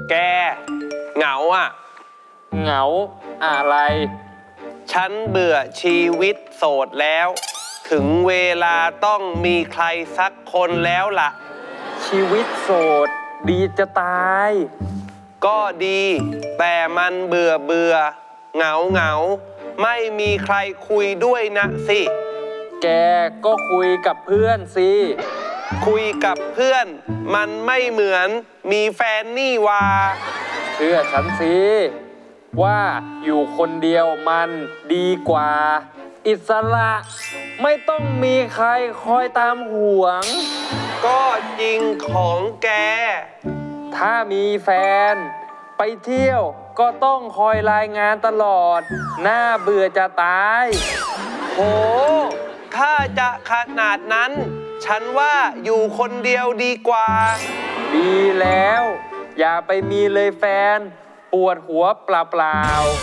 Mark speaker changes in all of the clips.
Speaker 1: แกเหงาอ่ะ
Speaker 2: เหงาอะไร
Speaker 1: ฉันเบื่อชีวิตโสดแล้วถึงเวลาต้องมีใครสักคนแล้วล่ะ
Speaker 2: ชีวิตโสดดีจะตาย
Speaker 1: ก็ดีแต่มันเบื่อเหงาไม่มีใครคุยด้วยนะสิ
Speaker 2: แกก็คุยกับเพื่อนสิ
Speaker 1: คุยกับเพื่อนมันไม่เหมือนมีแฟนนี่วา
Speaker 2: เชื่อฉันสิว่าอยู่คนเดียวมันดีกว่าอิสระไม่ต้องมีใครคอยตามห่วง
Speaker 1: ก็จริงของแก
Speaker 2: ถ้ามีแฟนไปเที่ยวก็ต้องคอยรายงานตลอดน่าเบื่อจะตาย
Speaker 1: โหถ้าจะขนาดนั้นฉันว่าอยู่คนเดียวดีกว่า
Speaker 2: ดีแล้วอย่าไปมีเลยแฟนปวดหัวเปล่า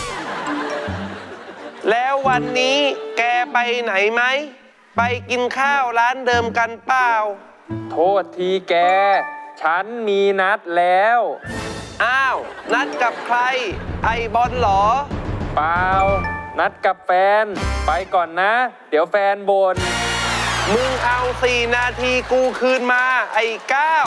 Speaker 1: ๆแล้ววันนี้แกไปไหนไหมไปกินข้าวร้านเดิมกันเปล่า
Speaker 2: โทษทีแกฉันมีนัดแล้ว
Speaker 1: อ้าวนัดกับใครไอบอลเหรอ
Speaker 2: เปล่านัดกับแฟนไปก่อนนะเดี๋ยวแฟนบ่น
Speaker 1: มึงเอา4 นาทีกูคืนมาไอ้ก้าว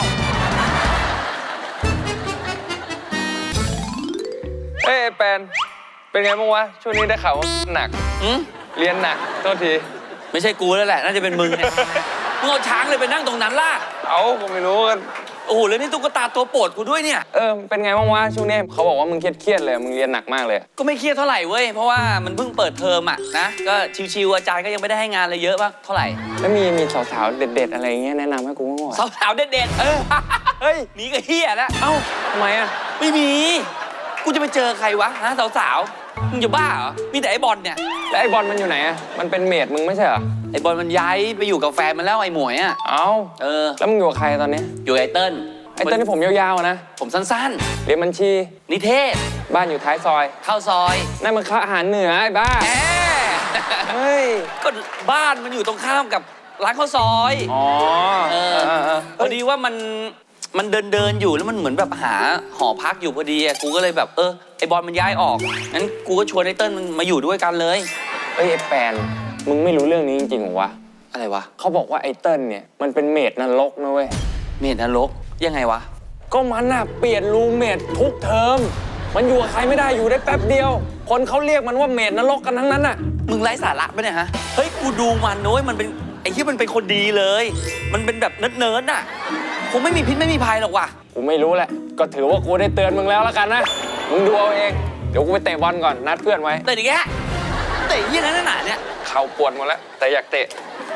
Speaker 2: แฟนเป็นไงบ้างวะช่วงนี้ได้ข่าวว่าหนักเรียนหนักโทษที
Speaker 3: ไม่ใช่กูแล้วแหละน่าจะเป็นมึงเนี่ยมึงเอาช้างเลยไปนั่งตรงนั้นล่ะ
Speaker 2: ผมไม่รู้กัน
Speaker 3: โอ้โหแล้วนี่ตุ๊กตาตัวโปรดกูด้วยเนี่ย
Speaker 2: เป็นไงบ้างวะช่วงนี้เขาบอกว่ามึงเครียดเลยมึงเรียนหนักมากเลย
Speaker 3: ก็ไม่เครียดเท่าไหร่เว้ยเพราะว่ามันเพิ่งเปิดเทอมอะนะก็ชิวๆอาจารย์ก็ยังไม่ได้ให้งานอะไรเยอะป่ะเท่าไหร่
Speaker 2: แล้วมีสาวๆเด็ดๆอะไรเงี้ยแนะนำให้กูบ้างวะ
Speaker 3: สาวๆเด็ดๆเฮ้ยหนีก็เฮียแล้ว
Speaker 2: ทำไมอะ
Speaker 3: ไม่มีกูจะไปเจอใครวะฮะสาวๆมึงจะบ้าเหรอมีแต่ไอ้บอลเนี่ย
Speaker 2: แล้วไอ้บอลมันอยู่ไหนอะมันเป็นเมดมึงไม่ใช่เหรอ
Speaker 3: ไอ้บอลมันย้ายไปอยู่กับแฟนมันแล้วไอ้หมวยอะ
Speaker 2: แล้วมึงอยู่กับใครตอนนี้
Speaker 3: อยู่ไอ้เติ้ล
Speaker 2: ที่ผมยาวๆนะ
Speaker 3: ผมสั้น
Speaker 2: ๆเรียนบัญชี
Speaker 3: นิเทศ
Speaker 2: บ้านอยู่ท้ายซอย
Speaker 3: เข้าซอย
Speaker 2: นั่นมันอาหารเหนือไอ้บ้าเฮ้ย
Speaker 3: ก็บ้านมันอยู่ตรงข้ามกับร้านข้าวซอยพอดีว่ามันเดินอยู่แล้วมันเหมือนแบบหาหอพักอยู่พอดีกูก็เลยแบบไอ้บอลมันย้ายออกงั้นกูก็ชวนไอ้เติ้ลมันมาอยู่ด้วยกันเลย
Speaker 2: ไอ้แฟนมึงไม่รู้เรื่องนี้จริงๆหรอวะ
Speaker 3: อะไรวะ
Speaker 2: เขาบอกว่าไอ้เติ้ลเนี่ยมันเป็นเมดนรกนะเว้ย
Speaker 3: เมดนรกยังไงวะ
Speaker 2: ก็มันน่ะเปลี่ยนรูเมดทุกเทอมมันอยู่กับใครไม่ได้อยู่ได้แป๊บเดียวคนเขาเรียกมันว่าเมดนรกกันทั้งนั้นน่ะ
Speaker 3: มึงไร้สาระปะเนี่ยฮะเฮ้ยกูดูมันน้อยมันเป็นไอ้ที่มันเป็นคนดีเลยมันเป็นแบบเนิร์ดน่ะคงไม่มีพิษไม่มีภัยหรอกว่ะ
Speaker 2: กูไม่รู้แหละก็ถือว่ากูได้เตือนมึงแล้วละกันนะมึงดูเอาเองเดี๋ยวกูไปเตะบอลก่อนนัดเพื่อนไว้
Speaker 3: เตะอีกแกเตะยี่นั่นน่ะเนี่ย
Speaker 2: เข่าปวดหมดแล้วแต่อยากเตะ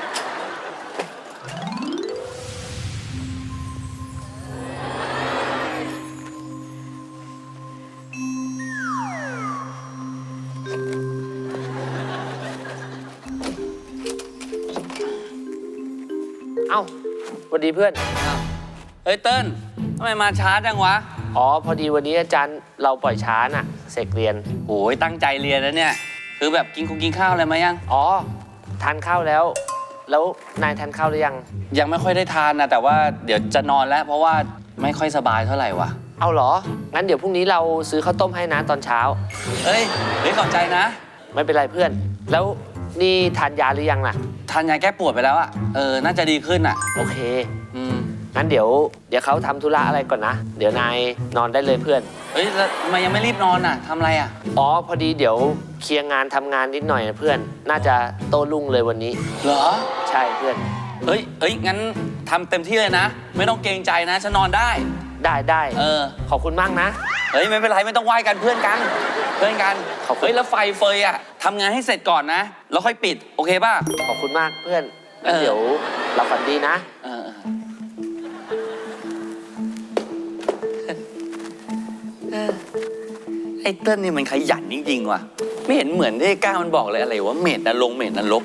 Speaker 4: สวัสดีเพื่อน
Speaker 3: เฮ้ยเติ้ลทำไมมาช้าจังวะ
Speaker 4: พอดีวันนี้อาจารย์เราปล่อยช้าน่ะเสกเรียน
Speaker 3: โอ้ยตั้งใจเรียนแล้วเนี่ยคือแบบกินข้าวอะไรมายัง
Speaker 4: ทานข้าวแล้วนายทานข้าวหรือ
Speaker 3: ยังไม่ค่อยได้ทานนะแต่ว่าเดี๋ยวจะนอนแล้วเพราะว่าไม่ค่อยสบายเท่าไหร่วะ
Speaker 4: เอาเหรองั้นเดี๋ยวพรุ่งนี้เราซื้อข้าวต้มให้นะตอนเช้า
Speaker 3: เฮ้ยขอบใจนะ
Speaker 4: ไม่เป็นไรเพื่อนแล้วนี่ทานยาหรือยังล่ะ
Speaker 3: ทานยาแก้ปวดไปแล้วอะน่าจะดีขึ้นอะ
Speaker 4: โอเคงั้นเดี๋ยวเขาทำธุระอะไรก่อนนะเดี๋ยวนายนอนได้เลยเพื่อน
Speaker 3: เฮ้ยแล้วทำไมยังไม่รีบนอนอะทำอะไรอะ
Speaker 4: พอดีเดี๋ยวเคลียร์งานทำงานนิดหน่อยนะเพื่อนน่าจะโตรุ่งเลยวันนี้
Speaker 3: เหรอ
Speaker 4: ใช่เพื่อน
Speaker 3: เฮ้ยงั้นทำเต็มที่เลยนะไม่ต้องเกรงใจนะฉันนอนได้ขอบคุณมากนะ
Speaker 4: เฮ้
Speaker 3: ยไม่เป็นไรไม่ต้องไหว้กันเพื่อนกันเฮ้ยแล้วไฟเฟยอะทำงานให้เสร็จก่อนนะแล้วค่อยปิดโอเคป่ะ
Speaker 4: ขอบคุณมากเพื่อนเดี๋ยวหลับฝันดีนะ
Speaker 3: ไอ้เติ้ลนี่มันขยันจริงๆว่ะไม่เห็นเหมือนที่ก้ามันบอกเลยอะไรว่าเมดนรก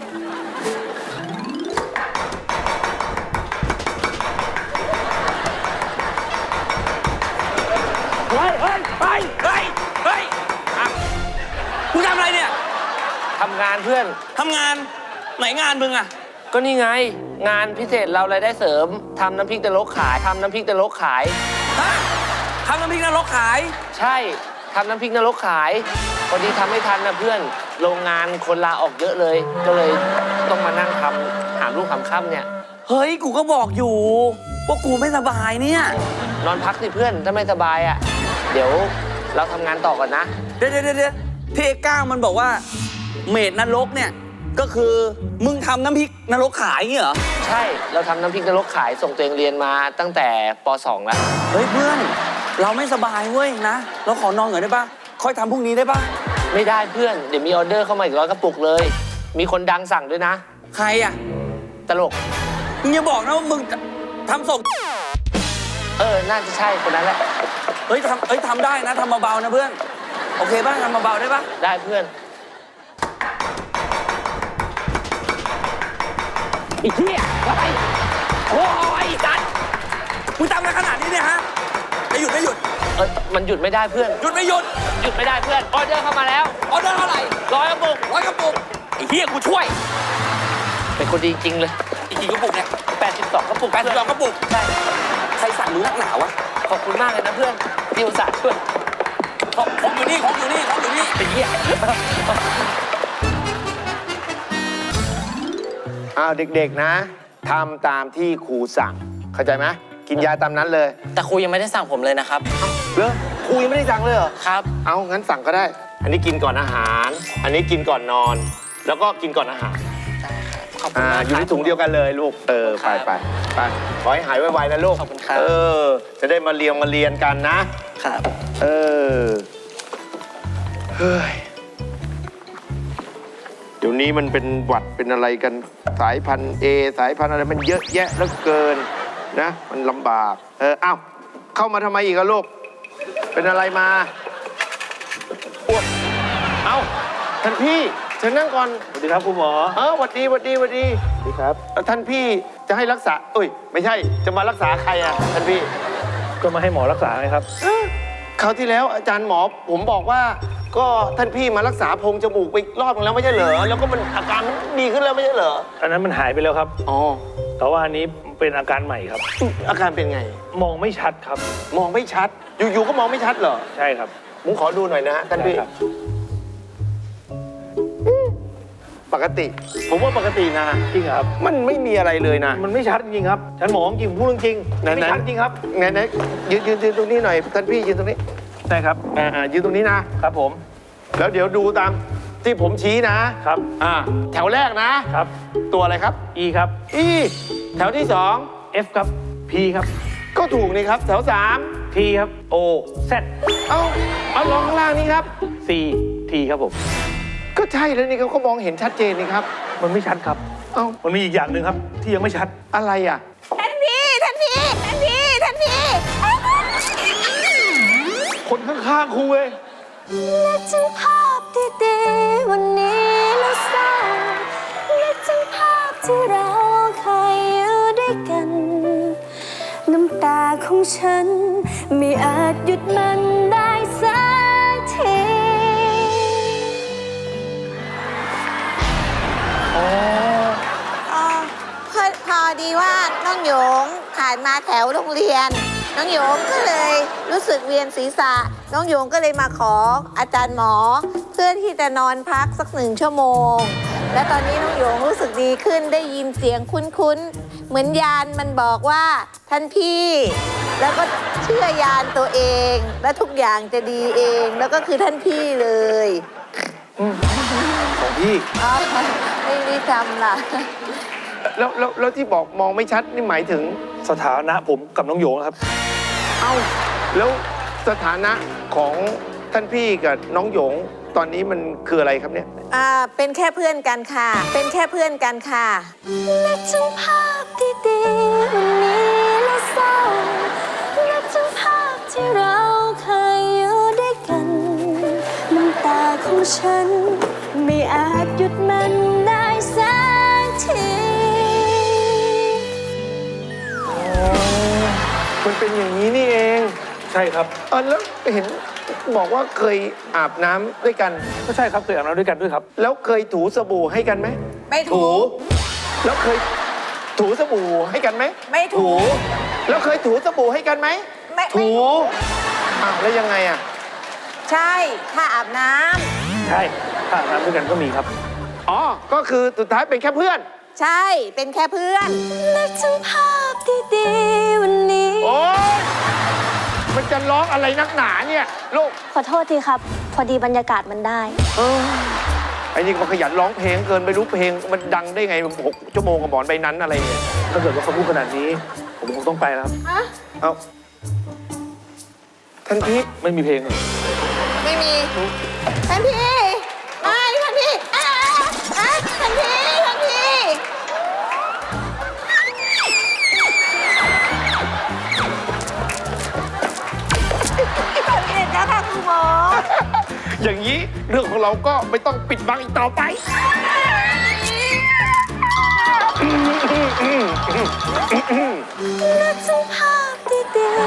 Speaker 3: เฮ้ยมึงทำอะไรเนี่ย
Speaker 4: ทำงานเพื่อน
Speaker 3: ทำงานไหนงานมึงอะ
Speaker 4: ก็นี่ไงงานพิเศษเรารายได้เสริมทำน้ำพริกตะลกขาย
Speaker 3: ฮะทำน้ำพริกนรกขาย
Speaker 4: ใช่ทำน้ำพริกนรกขายพอดีทำไม่ทันนะเพื่อนโรงงานคนลาออกเยอะเลย ก็เลยต้องมานั่งทำหามลูกหามค่ำเนี่ย
Speaker 3: เฮ้ย กูก็บอกอยู่ว่ากูไม่สบายเนี่ย
Speaker 4: นอนพักสิเพื่อนถ้าไม่สบายอ่ะ เดี๋ยวเราทำงานต่อก่อนนะ
Speaker 3: เดี๋ยวที่ไอ้ก้างมันบอกว่า เมดนรกเนี่ย ก็คือมึงทำน้ำพริกนรกขายเงี้ยเหรอ
Speaker 4: ใช่เราทำน้ำพริกนรกขายส่งตัวเองเรียนมาตั้งแต่ป .2 แล้ว
Speaker 3: เฮ้ยเพื่อน เราไม่สบายเว้ยนะ เราขอนอนหน่อยได้ปะค่อยทำพรุ่งนี้ได้ปะ
Speaker 4: ไม่ได้เพื่อนเดี๋ยวมีออเดอร์เข้ามาอีก100 กระปุกเลย มีคนดังสั่งด้วยนะ
Speaker 3: ใครอ่ะ
Speaker 4: ตลก
Speaker 3: มึงอย่าบอกนะว่ามึงทำส่ง
Speaker 4: น่าจะใช่คนนั้นแหละ
Speaker 3: เฮ้ยทำได้นะทำเบาๆนะเพื่อน โอเคป่ะทำเบาๆได้ป่ะ
Speaker 4: ได้เพื่อนไอ้เหี้ยอะไรโอ้ยจัด
Speaker 3: มึงทำอะไรขนาดนี้เนี่ยฮะจะหยุดไม่หยุด
Speaker 4: มันหยุดไม่ได้เพื่อน
Speaker 3: หยุดไม่หยุด
Speaker 4: หยุดไม่ได้เพื่อนออเดอร์เข้ามาแล้ว
Speaker 3: ออเดอร์เท่าไหร่
Speaker 4: 100 กระปุก
Speaker 3: 100 กระปุกไอ้เหี้ยกูช่วย
Speaker 4: เป็นคนดีจริงเลย
Speaker 3: อีกกี่กระปุกเนี่ย
Speaker 4: 82 กระปุก
Speaker 3: 82 กระปุก
Speaker 4: ใช่
Speaker 3: ใครสั่งมึงนักหนาวะ
Speaker 4: ขอบคุณมากเลยนะเพื่อนที่อุตส่าห์ช่วย
Speaker 3: ของอยู่นี่ไอ้เหี้ย
Speaker 5: อ้าวเด็กๆนะทำตามที่ครูสั่งเข้าใจไหมกินยาตามนั้นเลย
Speaker 6: แต่ครูยังไม่ได้สั่งผมเลยนะครับ
Speaker 5: เหรอครูยังไม่ได้สั่งเลยเหรอ
Speaker 6: ครับ
Speaker 5: เอางั้นสั่งก็ได้ อันนี้กินก่อนอาหาร อันนี้กินก่อนนอน แล้วก็กินก่อนอาหาร
Speaker 6: ขอบคุณมาก
Speaker 5: อยู่ในถุงเดียวกันเลยลูกไปขอให้หายไวๆนะลูก
Speaker 6: ขอบคุณครับ
Speaker 5: จะได้มาเรียนกันนะครับ เฮ้ยเดี๋ยวนี้มันเป็นหวัดเป็นอะไรกันสายพันธุ์ A สายพันธุ์อะไรมันเยอะแยะเหลือเกินนะมันลำบากเอ้าเข้ามาทำไมอีกอะลูกเป็นอะไรมาอ้วกเอ้าท่านพี่เชิญนั่งก่อน
Speaker 7: สวัสดีครับคุณหมอ
Speaker 5: หวัดดีครับท่านพี่จะให้รักษาไม่ใช่จะมารักษาใครอะท่านพี่
Speaker 7: ก็มาให้หมอรักษาไงครับ
Speaker 5: คราวที่แล้วอาจารย์หมอผมบอกว่าก็ท่านพี่มารักษาโพรงจมูกไปรอบนึงแล้วไม่ใช่เหรอแล้วก็มันอาการมันดีขึ้นแล้วไม่ใช่เหรอ
Speaker 7: อันนั้นมันหายไปแล้วครับ
Speaker 5: อ๋อ
Speaker 7: แต่ว่าอันนี้เป็นอาการใหม่ครับ
Speaker 5: อาการเป็นไง
Speaker 7: มองไม่ชัดครับ
Speaker 5: มองไม่ชัด อยู่ๆก็มองไม่ชัดเหรอ
Speaker 7: ใช่ครับ
Speaker 5: ผมขอดูหน่อยนะฮะท่านพี่
Speaker 7: ได้ครับ
Speaker 5: ปกติ ผมว่าปกตินะ
Speaker 7: จริงเหรอครับ
Speaker 5: มันไม่มีอะไรเลยนะ
Speaker 7: มันไม่ชัดจริงครับฉันหมอจริงพูดจริง
Speaker 5: ไหนๆ
Speaker 7: ไม่ชัดจริงครับ
Speaker 5: ไหนยืนตรงนี้หน่อยท่านพี่ยืนตรงนี้
Speaker 7: ได้ครับ
Speaker 5: ยืนตรงนี้นะครับ
Speaker 7: ผม
Speaker 5: แล้วเดี๋ยวดูตามที่ผมชี้นะครับ แถวแรกนะ
Speaker 7: ครับ
Speaker 5: ตัวอะไรครับ
Speaker 7: E ครับ
Speaker 5: อีแถวที่สอง
Speaker 7: F ครับ P ครับ
Speaker 5: ก็ถูกนี่ครับ แถวสาม
Speaker 7: T ครับ O Z
Speaker 5: เอาลองข้างล่างนี้ครับ
Speaker 7: C T ครับผม
Speaker 5: ก็ใช่แล้วนี่เขามองเห็นชัดเจนนี่ครับ
Speaker 7: มันไม่ชัดครับ
Speaker 5: เอ้า
Speaker 7: มันมีอีกอย่างหนึ่งครับที่ยังไม่ชัด
Speaker 5: อะไรอ่ะ
Speaker 7: คนข้างๆครูเว้ย
Speaker 8: นึกถึงภาพดีๆวันนี้แล้วเศร้านึกถึงภาพที่เราเคยอยู่ด้วยกัน น้ำตาของฉันไม่อาจหยุดมันได้สักที
Speaker 9: พอดีว่าน้องหยงผ่านมาแถวโรงเรียน น้องหยงก็เลยรู้สึกเวียนศีรษะ น้องหยงก็เลยมาขออาจารย์หมอ เพื่อที่จะนอนพักสัก1 ชั่วโมง และตอนนี้น้องหยงรู้สึกดีขึ้นได้ยินเสียงคุ้นๆเหมือนยานมันบอกว่าท่านพี่ แล้วก็เชื่อยานตัวเอง และทุกอย่างจะดีเองแล้วก็คือท่านพี่เลย
Speaker 7: ของพี่
Speaker 9: อ้าวไม่ได้ทำล่ะ
Speaker 5: แล้วที่บอกมองไม่ชัดนี่หมายถึง
Speaker 7: สถานะผมกับน้องโยงครับ
Speaker 5: เอ้าแล้วสถานะของท่านพี่กับน้องหยงตอนนี้มันคืออะไรครับเนี่ย
Speaker 9: เป็นแค่เพื่อนกันค่ะ เป็นแค่เพื่อนกันค่ะ
Speaker 8: นึกถึงภาพดีๆวันนี้แล้วเศร้านึกถึงภาพที่เราเคยอยู่ด้วยกัน น้ำตาของฉันไม่อาจหยุดมันได้สักที
Speaker 5: มันเป็นอย่างนี้นี่เอง
Speaker 7: ใช่ครับ
Speaker 5: แล้วเห็นบอกว่าเคยอาบน้ำด้วยกัน
Speaker 7: ก็ใช่ครับเคยอาบน้ำด้วยกันด้วยครับ
Speaker 5: แล้วเคยถูสบู่ให้กันไหม
Speaker 9: ไม่ถู
Speaker 5: แล้วเคยถูสบู่ให้กันไหม
Speaker 9: ไม่ถู
Speaker 5: แล้วเคยถูสบู่ให้กันไหม
Speaker 9: ไม่
Speaker 5: ถูอ้าวแล้วยังไงอ่ะ
Speaker 9: ใช่ค่าอาบน้ำ
Speaker 7: ใช่ถ้าอาบน้ำด้วยกันก็มีครับ
Speaker 5: อ๋อ ก็คือสุดท้ายเป็นแค่เพื่อน
Speaker 9: ใช่เป็นแค่เพื่อน
Speaker 8: นึกถึงภาพดีๆวันนี้
Speaker 5: โอ๊ยมันจะร้องอะไรนักหนาเนี่ยลูก
Speaker 8: ขอโทษทีครับ พอดีบรรยากาศมันได้
Speaker 5: ไอ้นี่มันขยันร้องเพลงเกินไปรู้เพลงมันดังได้ไง6 ชั่วโมงกับหมอนใบนั้นอะไรเนี่ย
Speaker 7: ถ้าเกิดว่าเขาพูดขนาดนี้ ผมคงต้องไปแล้วครับ
Speaker 5: เอาทันที
Speaker 7: ไม่มีเพลงเลย
Speaker 9: ไม่มีทันทีไม่ทันทีทันทีทันทีตอนนี้นะคะคุณหมอ
Speaker 5: อย่างนี้เรื่องของเราก็ไม่ต้องปิดบังอีกต่อไป
Speaker 8: นึกถึงภาพดี